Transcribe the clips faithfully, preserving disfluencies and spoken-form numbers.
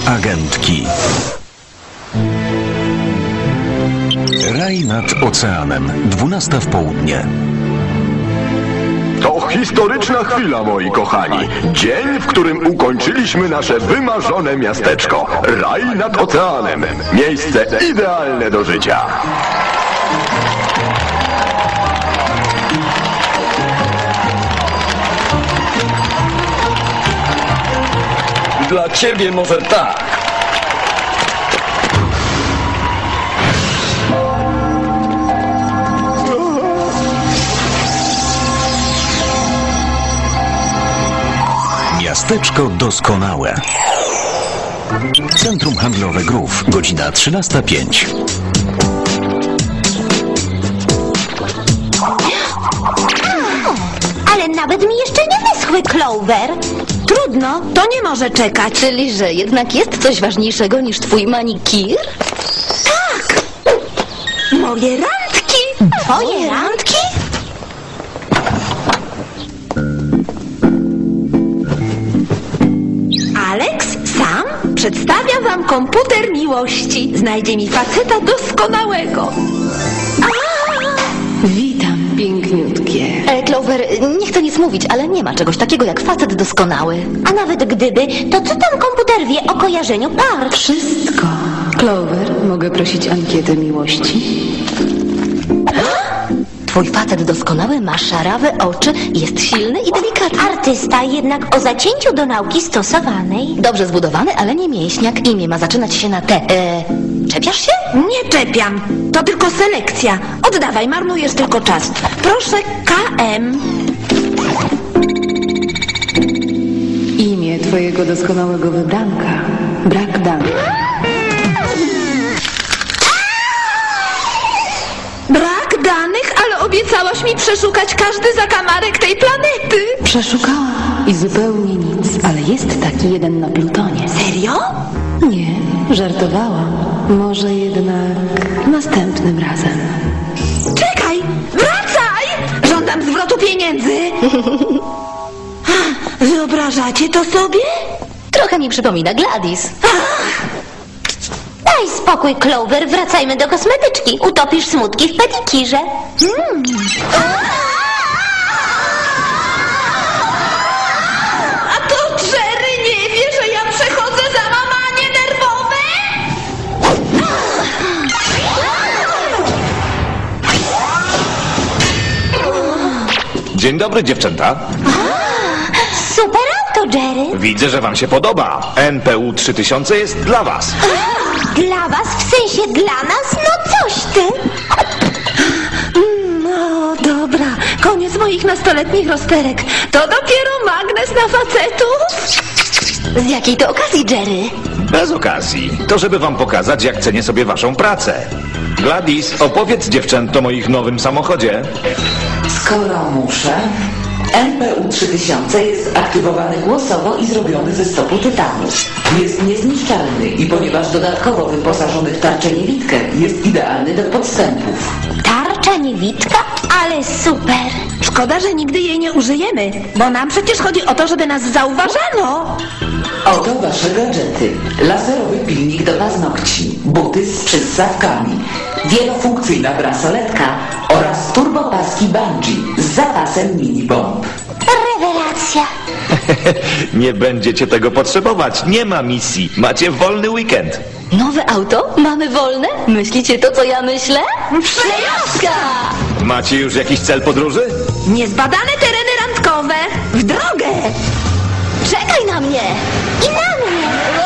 Superagentki. Raj nad oceanem. Dwunasta w południe. To historyczna chwila, moi kochani. Dzień, w którym ukończyliśmy nasze wymarzone miasteczko. Raj nad oceanem. Miejsce idealne do życia. Dla ciebie może tak. Miasteczko doskonałe. Centrum Handlowe Grów. Godzina trzynasta pięć. Ale nawet mi jeszcze nie wyschły, Clover. Trudno, to nie może czekać. Czyli, że jednak jest coś ważniejszego niż twój manikir? Moje randki! Twoje randki? Alex sam przedstawia wam komputer miłości. Znajdzie mi faceta doskonałego. Witam, piękniutkie. E, Clover, nie chcę nic mówić, ale nie ma czegoś takiego jak facet doskonały. A nawet gdyby, to co tam komputer wie o kojarzeniu par? Wszystko. Clover, mogę prosić ankietę miłości? Twój facet doskonały ma szarawe oczy, jest silny i delikatny. Artysta jednak o zacięciu do nauki stosowanej. Dobrze zbudowany, ale nie mięśniak. Imię ma zaczynać się na T. E, czepiasz się? Nie czepiam, to tylko selekcja. Oddawaj, marnujesz tylko czas. Proszę, K M. Imię twojego doskonałego wybranka. Brak danych. Brak danych, ale obiecałaś mi przeszukać każdy zakamarek tej planety. Przeszukałam i zupełnie nic, ale jest taki jeden na Plutonie. Serio? Nie, żartowałam. Może jednak następnym razem. Czekaj, wracaj! Żądam zwrotu pieniędzy. Wyobrażacie to sobie? Trochę mi przypomina Gladys. Daj spokój, Clover, wracajmy do kosmetyczki. Utopisz smutki w pedikirze. Hmm. A to Jerry nie wie, że ja przechodzę załamanie nerwowe? Dzień dobry, dziewczęta. Super auto, Jerry. Widzę, że wam się podoba. N P U trzy tysiące jest dla was. Dla was, w sensie dla nas? No coś ty. No dobra, koniec moich nastoletnich rozterek. To dopiero magnes na facetów? Z jakiej to okazji, Jerry? Bez okazji. To żeby wam pokazać, jak cenię sobie waszą pracę. Gladys, opowiedz dziewczętom o ich nowym samochodzie. Skoro muszę, N P U trzy tysiące jest aktywowany głosowo i zrobiony ze stopu tytanu. Jest niezniszczalny i ponieważ dodatkowo wyposażony w tarczę niewidkę, jest idealny do podstępów. Tarcza niewidka? Ale super. Szkoda, że nigdy jej nie użyjemy, bo nam przecież chodzi o to, żeby nas zauważano. Oto wasze gadżety. Laserowy pilnik do paznokci, buty z przyssawkami, wielofunkcyjna bransoletka oraz turbopaski bungee z zapasem mini bomb. Rewelacja. Nie będziecie tego potrzebować. Nie ma misji. Macie wolny weekend. Nowe auto? Mamy wolne? Myślicie to, co ja myślę? Przejażdżka! Macie już jakiś cel podróży? Niezbadane tereny randkowe. W drogę! Czekaj na mnie! I na mnie.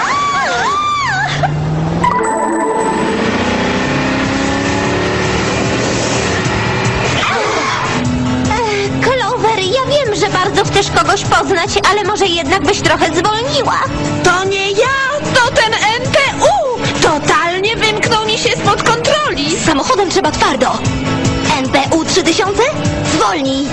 Ech, Clover, ja wiem, że bardzo chcesz kogoś poznać, ale może jednak byś trochę zwolniła. To nie ja, to ten N P U! Totalnie wymknął mi się spod kontroli. Z samochodem trzeba twardo! N P U trzy tysiące? Zwolnij.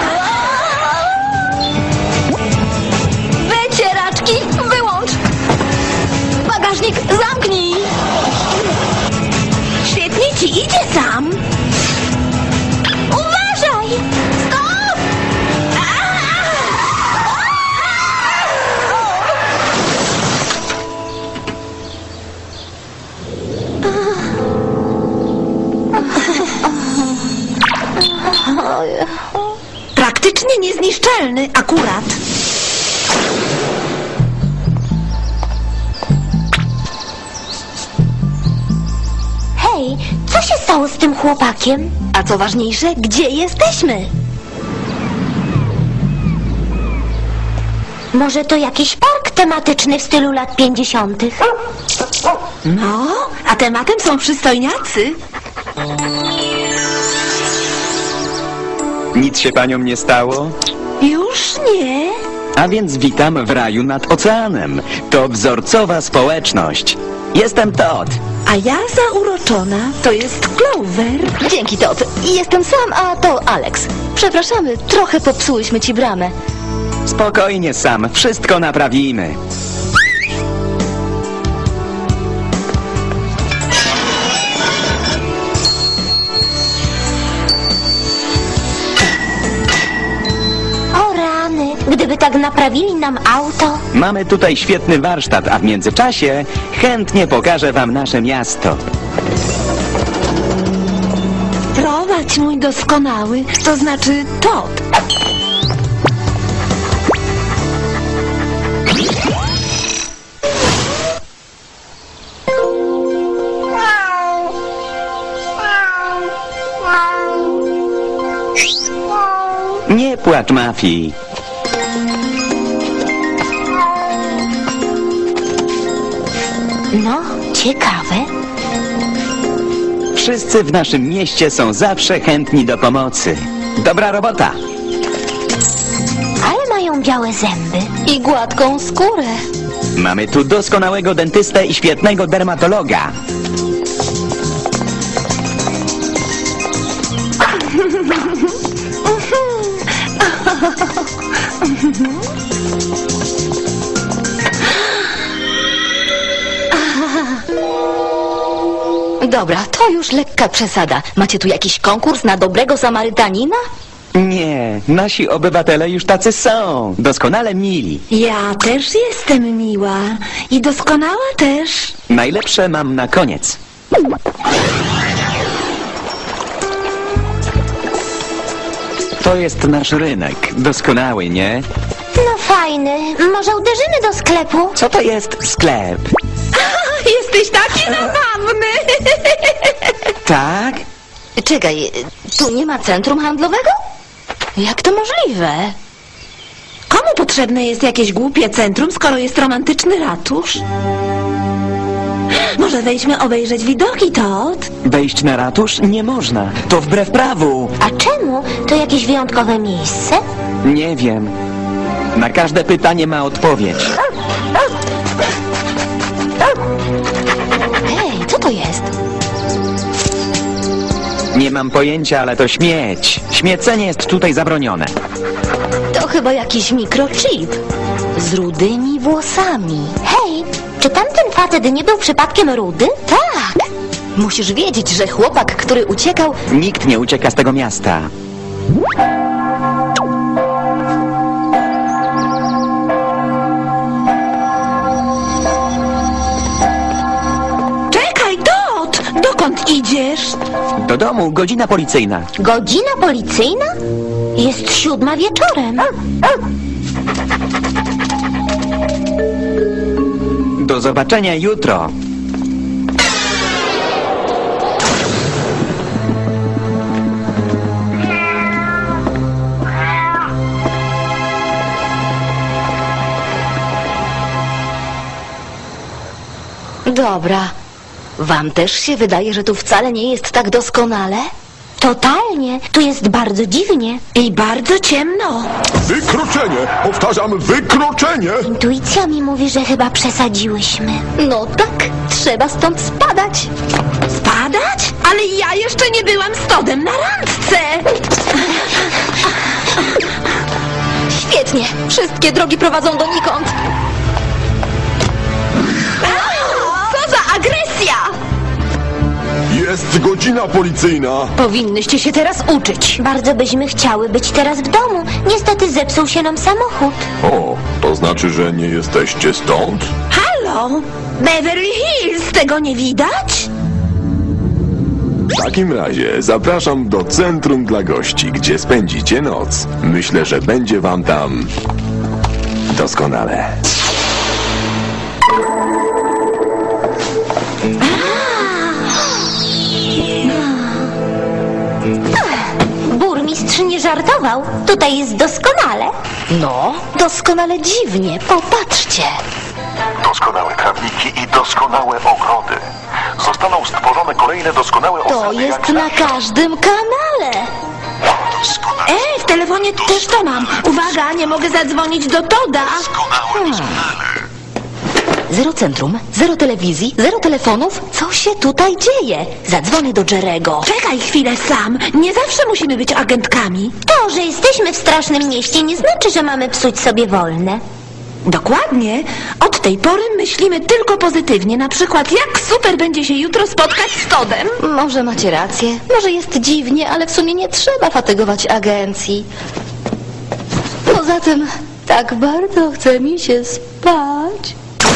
Wycieraczki, wyłącz! Bagażnik zamknij! Świetnie ci idzie sam. Uważaj! Stop! Oj. Praktycznie niezniszczalny akurat. Hej, co się stało z tym chłopakiem? A co ważniejsze, gdzie jesteśmy? Może to jakiś park tematyczny w stylu lat pięćdziesiątych? No, a tematem są przystojniacy. Nic się paniom nie stało? Już nie. A więc witam w raju nad oceanem. To wzorcowa społeczność. Jestem Todd. A ja zauroczona, to jest Clover. Dzięki, Todd. Jestem sam, a to Alex. Przepraszamy, trochę popsułyśmy ci bramę. Spokojnie, Sam. Wszystko naprawimy. O rany, gdyby tak naprawili nam auto. Mamy tutaj świetny warsztat, a w międzyczasie chętnie pokażę wam nasze miasto. Prowadź, mój doskonały, to znaczy Todd. Nie płacz, Mafii. No, ciekawe. Wszyscy w naszym mieście są zawsze chętni do pomocy. Dobra robota. Ale mają białe zęby. I gładką skórę. Mamy tu doskonałego dentystę i świetnego dermatologa. Dobra, to już lekka przesada. Macie tu jakiś konkurs na dobrego Samarytanina? Nie, nasi obywatele już tacy są. Doskonale mili. Ja też jestem miła i doskonała też. Najlepsze mam na koniec. To jest nasz rynek. Doskonały, nie? No fajny. Może uderzymy do sklepu? Co to jest sklep? Jesteś taki zabawny. Tak? Czekaj, tu nie ma centrum handlowego? Jak to możliwe? Komu potrzebne jest jakieś głupie centrum, skoro jest romantyczny ratusz? Może wejdźmy obejrzeć widoki, Todd? Wejść na ratusz nie można. To wbrew prawu. A czemu? To jakieś wyjątkowe miejsce? Nie wiem. Na każde pytanie ma odpowiedź. Hej, co to jest? Nie mam pojęcia, ale to śmieć. Śmiecenie jest tutaj zabronione. To chyba jakiś mikrochip. Z rudymi włosami. Hej, czy tamten facet nie był przypadkiem rudy? Tak! Musisz wiedzieć, że chłopak, który uciekał... Nikt nie ucieka z tego miasta. Czekaj, Todd! Dokąd idziesz? Do domu, godzina policyjna. Godzina policyjna? Jest siódma wieczorem. Do zobaczenia jutro. Dobra. Wam też się wydaje, że tu wcale nie jest tak doskonale? Totalnie. Tu jest bardzo dziwnie. I bardzo ciemno. Wykroczenie! Powtarzam, wykroczenie! Intuicja mi mówi, że chyba przesadziłyśmy. No tak, trzeba stąd spadać. Spadać? Ale ja jeszcze nie byłam z Toddem na randce. Świetnie, wszystkie drogi prowadzą donikąd. Co za agresja! Jest godzina policyjna! Powinnyście się teraz uczyć. Bardzo byśmy chciały być teraz w domu. Niestety zepsuł się nam samochód. O, to znaczy, że nie jesteście stąd? Halo? Beverly Hills, tego nie widać? W takim razie zapraszam do centrum dla gości, gdzie spędzicie noc. Myślę, że będzie wam tam doskonale. Burmistrz nie żartował. Tutaj jest doskonale. No, doskonale dziwnie, popatrzcie. Doskonałe trawniki i doskonałe ogrody. Zostaną stworzone kolejne doskonałe To osady jest jak na zawsze. każdym kanale. Doskonałe, Ej, w telefonie też to mam. Uwaga, nie mogę zadzwonić do Toda. doskonałe, doskonale. Zero centrum, zero telewizji, zero telefonów. Co się tutaj dzieje? Zadzwonię do Jerego. Czekaj chwilę sam. Nie zawsze musimy być agentkami. To, że jesteśmy w strasznym mieście, nie znaczy, że mamy psuć sobie wolne. Dokładnie. Od tej pory myślimy tylko pozytywnie. Na przykład, jak super będzie się jutro spotkać z Todem. Może macie rację, może jest dziwnie, ale w sumie nie trzeba fatygować agencji. Poza tym, tak bardzo chce mi się spać.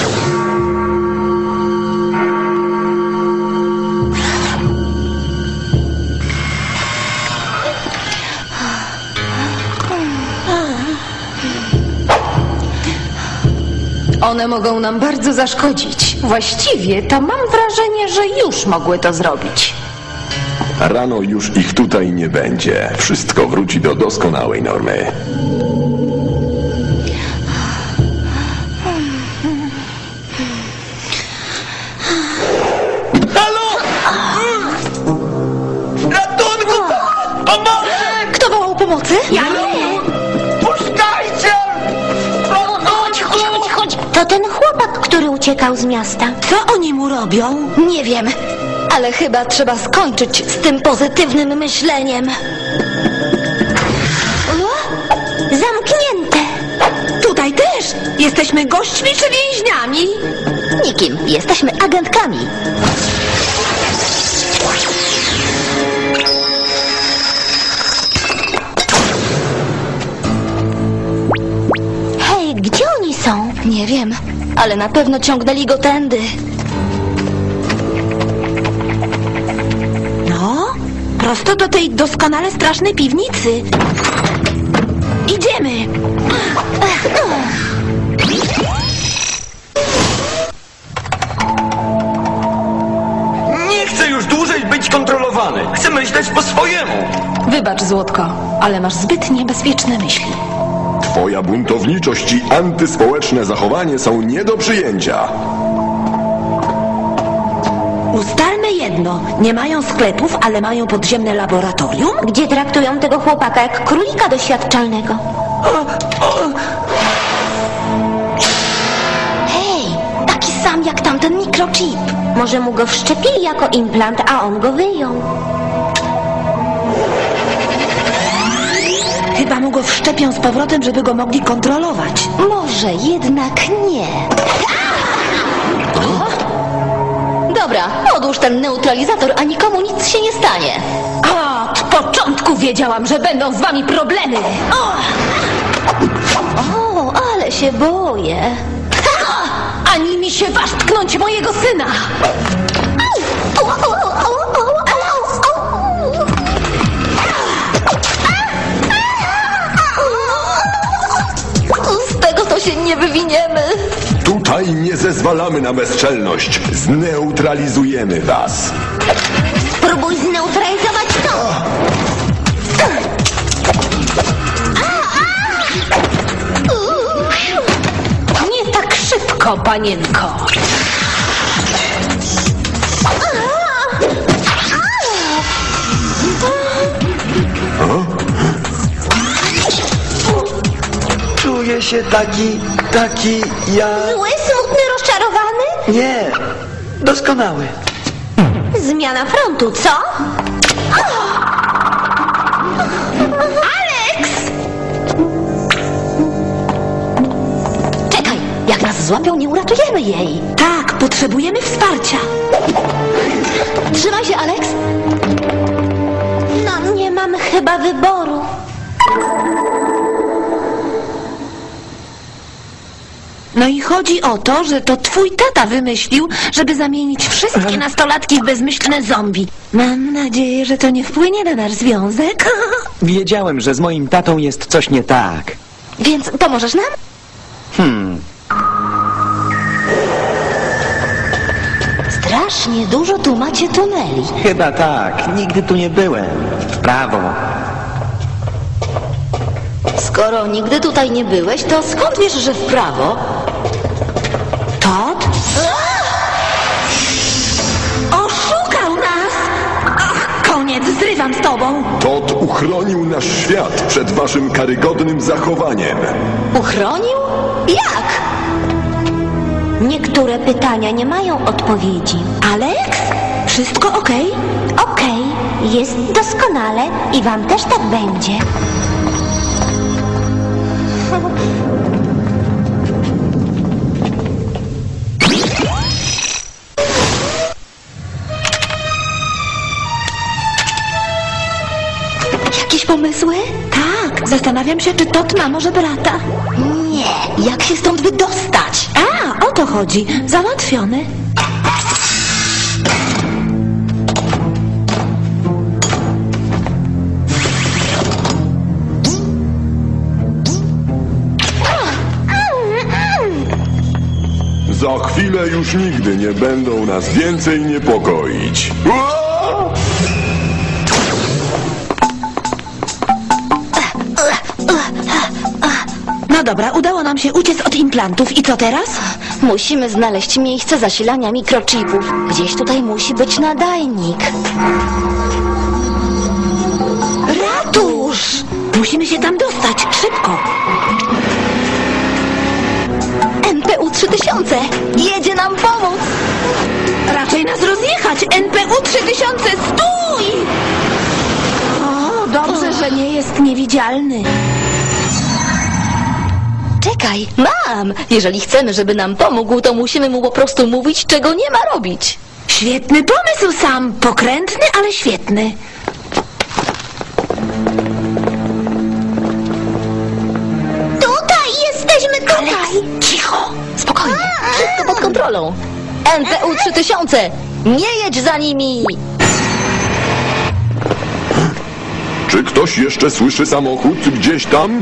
One mogą nam bardzo zaszkodzić. Właściwie to mam wrażenie, że już mogły to zrobić. Rano już ich tutaj nie będzie. Wszystko wróci do doskonałej normy. Kto wołał pomocy? Ja nie. Chodź, chodź, chodź, chodź. To ten chłopak, który uciekał z miasta. Co oni mu robią? Nie wiem, ale chyba trzeba skończyć z tym pozytywnym myśleniem. Zamknięte. Tutaj też. Jesteśmy gośćmi czy więźniami? Nikim, jesteśmy agentkami. Hej, gdzie oni są? Nie wiem, ale na pewno ciągnęli go tędy. No, prosto do tej doskonale strasznej piwnicy. Idziemy. Nie chcę już dłużej być kontrolowany. Chcę myśleć po swojemu. Wybacz, Złotko, ale masz zbyt niebezpieczne myśli. Twoja buntowniczość i antyspołeczne zachowanie są nie do przyjęcia. Ustalmy jedno. Nie mają sklepów, ale mają podziemne laboratorium? Gdzie traktują tego chłopaka jak królika doświadczalnego. Hej, taki sam jak tamten mikrochip. Może mu go wszczepili jako implant, a on go wyjął. Chyba mu go wszczepią z powrotem, żeby go mogli kontrolować. Może jednak nie. Dobra, odłóż ten neutralizator, a nikomu nic się nie stanie. Od początku wiedziałam, że będą z wami problemy. O! O, ale się boję. Ani mi się waż tknąć mojego syna. Z tego to się nie wywiniemy. Tutaj nie zezwalamy na bezczelność. Zneutralizujemy was. Spróbuj zneutralizować to. Nie tak szybko, panienko. Czuję się taki, taki ja... Zły, smutny, rozczarowany? Nie, doskonały. Zmiana frontu, co? Alex! Czekaj, jak nas złapią, nie uratujemy jej. Tak, potrzebujemy wsparcia. Trzymaj się, Alex. No, nie mamy chyba wyboru. No i chodzi o to, że to twój tata wymyślił, żeby zamienić wszystkie nastolatki w bezmyślne zombie. Mam nadzieję, że to nie wpłynie na nasz związek. Wiedziałem, że z moim tatą jest coś nie tak. Więc pomożesz nam? Hmm, Strasznie dużo tu macie tuneli. chyba tak. Nigdy tu nie byłem. W prawo. Skoro nigdy tutaj nie byłeś, to skąd wiesz, że w prawo? Todd? Oszukał nas! Ach, koniec, zrywam z tobą. Todd uchronił nasz świat przed waszym karygodnym zachowaniem. Uchronił? Jak? Niektóre pytania nie mają odpowiedzi. Alex? Wszystko okej? Okej, jest doskonale i wam też tak będzie. Jakieś pomysły? Tak, zastanawiam się, czy Todd ma może brata. Nie. Jak się stąd wydostać? A, o to chodzi. Załatwiony. Za chwilę już nigdy nie będą nas więcej niepokoić. Ua! No dobra, udało nam się uciec od implantów. I co teraz? Musimy znaleźć miejsce zasilania mikrochipów. Gdzieś tutaj musi być nadajnik. Ratusz! Musimy się tam dostać. Szybko. N P U trzy tysiące! Jedzie nam pomóc! Raczej nas rozjechać. N P U trzy tysiące, stój! O, dobrze, że nie jest niewidzialny. Czekaj, mam! Jeżeli chcemy, żeby nam pomógł, to musimy mu po prostu mówić, czego nie ma robić. Świetny pomysł, Sam. Pokrętny, ale świetny. Tutaj jesteśmy, tutaj! Cicho. Spokojnie, wszystko pod kontrolą. N P U trzy tysiące! Nie jedź za nimi! Czy ktoś jeszcze słyszy samochód gdzieś tam?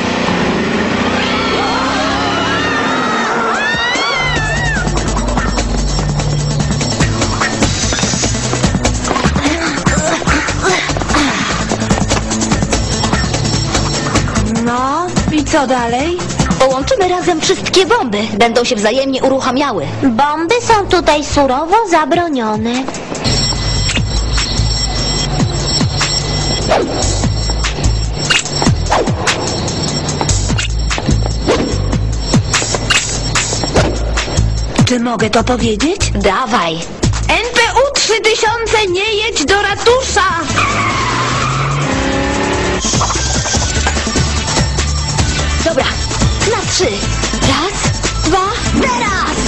No, i co dalej? Połączymy razem wszystkie bomby. Będą się wzajemnie uruchamiały. Bomby są tutaj surowo zabronione. Czy mogę to powiedzieć? Dawaj! N P U trzy tysiące, nie jedź do ratusza! Dobra, na trzy. Raz, dwa, teraz!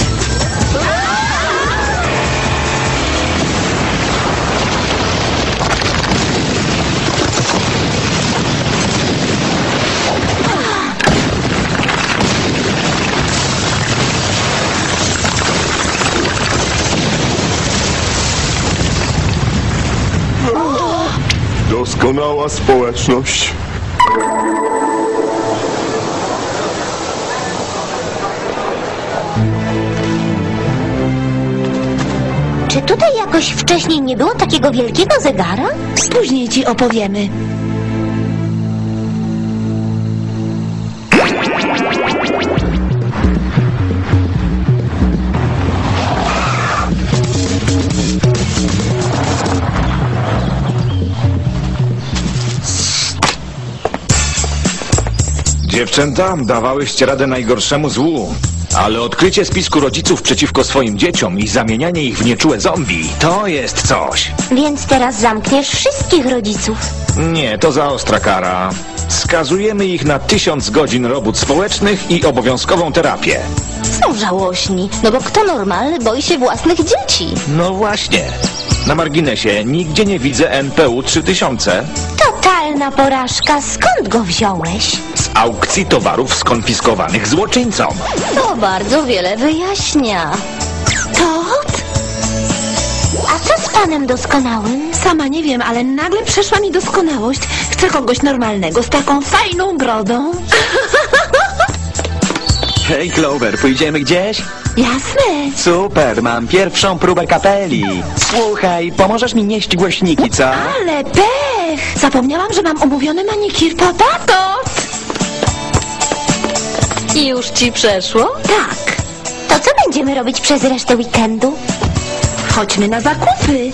Doskonała społeczność. Czy tutaj jakoś wcześniej nie było takiego wielkiego zegara? Później ci opowiemy. Dziewczęta, dawałyście radę najgorszemu złu. Ale odkrycie spisku rodziców przeciwko swoim dzieciom i zamienianie ich w nieczułe zombie, to jest coś. Więc teraz zamkniesz wszystkich rodziców. Nie, to za ostra kara. Skazujemy ich na tysiąc godzin robót społecznych i obowiązkową terapię. Są żałośni, no bo kto normalny boi się własnych dzieci? No właśnie. Na marginesie, nigdzie nie widzę N P U trzy tysiące. Totalna porażka. Skąd go wziąłeś? Z z aukcji towarów skonfiskowanych złoczyńcom. To bardzo wiele wyjaśnia. Tot? A co z panem doskonałym? Sama nie wiem, ale nagle przeszła mi doskonałość. Chcę kogoś normalnego, z taką fajną brodą. Hej, Clover, pójdziemy gdzieś? Jasne. Super, mam pierwszą próbę kapeli. Słuchaj, pomożesz mi nieść głośniki, co? Ale pech! Zapomniałam, że mam umówiony manikir. Papa, Tot! I już ci przeszło? Tak. To co będziemy robić przez resztę weekendu? Chodźmy na zakupy.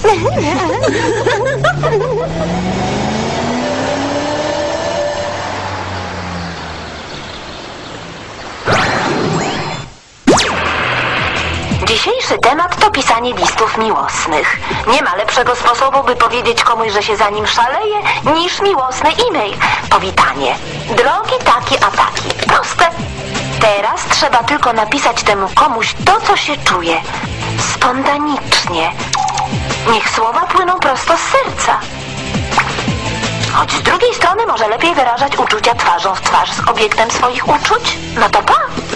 Dzisiejszy temat to pisanie listów miłosnych. Nie ma lepszego sposobu, by powiedzieć komuś, że się za nim szaleje, niż miłosny e-mail. Powitanie. Drogi taki a taki. Proste. Teraz trzeba tylko napisać temu komuś to, co się czuje. Spontanicznie. Niech słowa płyną prosto z serca. Choć z drugiej strony może lepiej wyrażać uczucia twarzą w twarz z obiektem swoich uczuć. No to pa!